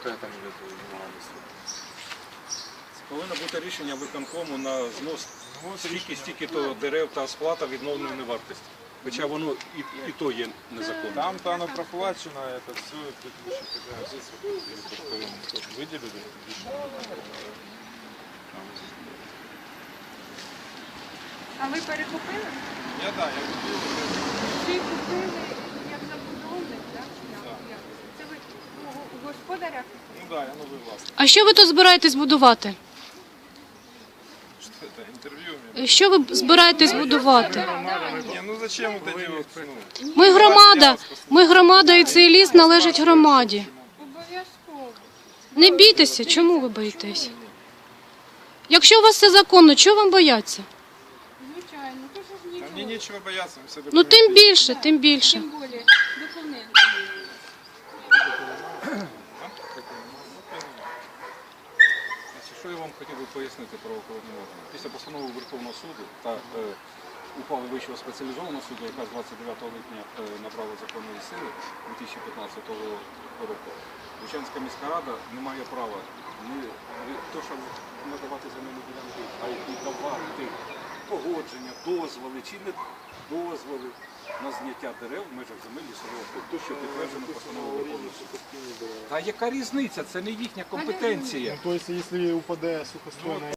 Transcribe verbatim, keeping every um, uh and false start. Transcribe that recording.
какая там идет внимание? Повинно бути рішення виконкому на знос стільки-стільки то дерев та сплата відновленої вартості. Хоча воно і, і то є незаконно. Там-то оно проплачено, это все, тут еще какая здесь вот выделили. А ви перекупили? Я да, я купил. Чи купили як забудовник, так? Як? Це ви у- у господаря? Ну да, я новый властник. А що ви тут збираєтесь будувати? Что это, интервью у меня? Що ви збираєтесь будувати? Не, ну зачем вот эти вот, ну, Ми громада, ми громада і цей ліс належить громаді. Обов'язково. Не бійтеся, чому ви боїтесь? Якщо у вас все законно, чого вам бояться? Звичайно, то ж а нічого. мне нечего бояться, мы все Ну документы тим більше, тим більше. Тим більше документи. Значить, що я вам хотів би пояснити правоохоронні органи? Після постанови Верховного суду та е, ухвали Вищого спеціалізованого суду, яка з двадцять дев'ятого липня е, набрала законної сили дві тисячі п'ятнадцятого року, Бучанська міська рада не має права не то, щоб надавати земельні ділянки, а й давати погодження, дозволи чи не дозволи на зняття дерев в межах земель лісового фонду, то, що підтверджено постановою Верховного суду. Та яка різниця? Це не їхня компетенція. То есть, если упадет сухостойная